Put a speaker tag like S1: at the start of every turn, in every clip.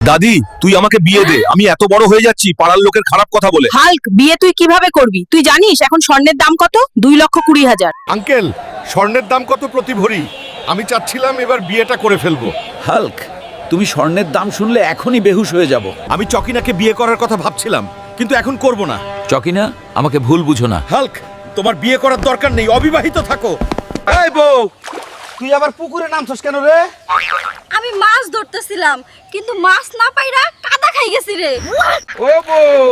S1: দাদি তুই আমাকে বিয়ে দে, আমি এত বড় হয়ে যাচ্ছি পাড়ার লোকের খারাপ কথা বলে।
S2: হাল্ক, বিয়ে তুই কিভাবে করবি? তুই জানিস এখন স্বর্ণের দাম কত? 2,20,000।
S3: আঙ্কেল, স্বর্ণের দাম কত প্রতি ভরি? আমি চাচ্ছিলাম এবার বিয়েটা করে ফেলবো।
S4: হাল্ক, তুমি স্বর্ণের দাম শুনলে এখনই বেহুশ হয়ে যাব।
S3: আমি চকিনাকে বিয়ে করার কথা ভাবছিলাম, কিন্তু এখন করব না।
S4: চকিনা, আমাকে ভুল বুঝো না।
S3: হাল্ক, তোমার বিয়ে করার দরকার নেই, অবিবাহিত থাকো।
S1: এই বউ, তুই আবার পুকুরে নামছস কেন রে?
S5: আমি মাছ ধরতেছিলাম, কিন্তু মাছ না পাইরা কাদা খাই গেছি রে।
S1: ও বউ,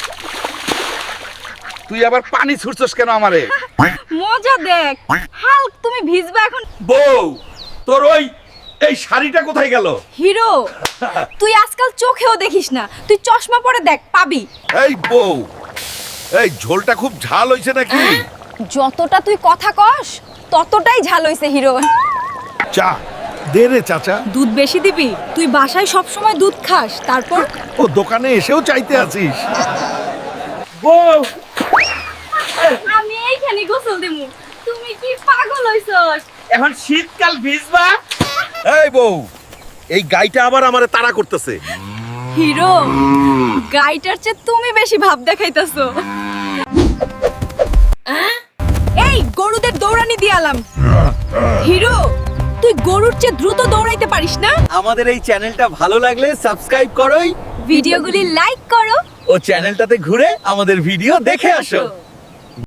S1: তুই আবার পানি ছুড়ছস কেন আমারে?
S5: মজা দেখ। হাল্ক, তুমি ভিজবা এখন।
S3: বউ, তোর এই শাড়িটা কোথায় গেল?
S5: হিরো, তুই আজকাল চোখেও দেখিস না, তুই চশমা পরে দেখ, পাবি।
S3: এই বউ, এই ঝোলটা খুব ঝাল হইছে নাকি?
S5: যতটা তুই কথা কস ততটাই ঝাল হইছে হিরো।
S3: চা দে রে চাচা।
S5: দুধ বেশি দিবি? তুই বাসায় সব সময় দুধ খাস, তারপর
S3: ও দোকানে এসেও চাইতে আছিস?
S1: বউ,
S5: আমি এইখানে গোসল দিমু। তুমি কি পাগল হইছস?
S1: এখন শীতকাল ভিজবা?
S3: এই বউ, এই গাইটা আবার আমারে তাড়া করতেছে।
S5: হিরো, গাইটার চেয়ে তুমি বেশি ভাব দেখাইতাছো। এই গরুদের দৌড়ানি দিয়ালাম। হিরো, তুই গরুর চেয়ে দ্রুত দৌড়াইতে পারিস না?
S4: আমাদের এই চ্যানেলটা ভালো লাগলে সাবস্ক্রাইব করোই
S5: ভিডিওগুলি লাইক করো
S4: ও চ্যানেলটাতে ঘুরে আমাদের ভিডিও দেখে আসো।